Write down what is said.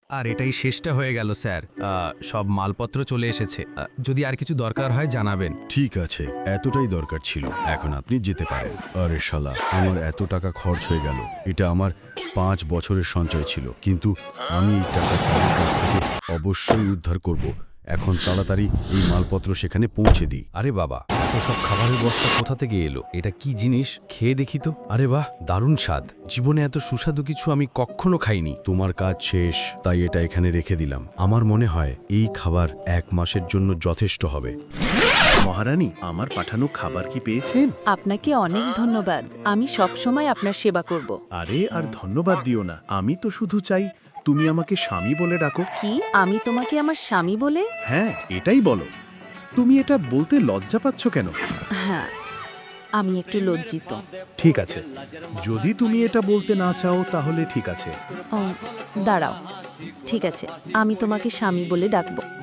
আর এটাই শেষটা হয়ে গেল স্যার। সব মালপত্র চলে এসেছে। যদি আর কিছু দরকার হয় জানাবেন। ঠিক আছে, এতটাই দরকার ছিল, এখন আপনি যেতে পারেন। আরে শালা, আমার এত টাকা খরচ হয়ে গেল। এটা আমার 5 বছরের সঞ্চয় ছিল, কিন্তু আমি এই টাকা তাদের কাছ থেকে অবশ্যই উদ্ধার করব। এখন তাড়াতাড়ি এই মালপত্র সেখানে পৌঁছে দিই। আরে বাবা, এত সব খাবারের বস্তা কোথা থেকে এলো? এটা কি জিনিস? খেয়ে দেখি তো। আরে বাহ, দারুণ স্বাদ। জীবনে এত সুস্বাদু কিছু আমি কখনো খাইনি। তোমার কাজ শেষ, তাই এটা এখানে রেখে দিলাম। আমার মনে হয় এই খাবার 1 মাসের জন্য যথেষ্ট হবে। মহারানী, আমার পাঠানো খাবার কি পেয়েছেন? আপনাকে অনেক ধন্যবাদ। আমি সব সময় আপনার সেবা করব। আরে আর ধন্যবাদ দিও না, আমি তো শুধু চাই তুমি আমাকে স্বামী বলে ডাকো। কি আমি তোমাকে আমার স্বামী বলে? হ্যাঁ, এটাই বলো। তুমি এটা বলতে লজ্জা পাচ্ছ কেন? হ্যাঁ, আমি একটু লজ্জিত। ঠিক আছে, যদি তুমি এটা বলতে না চাও তাহলে ঠিক আছে। ও, দাঁড়াও। ঠিক আছে, আমি তোমাকে স্বামী বলে ডাকবো।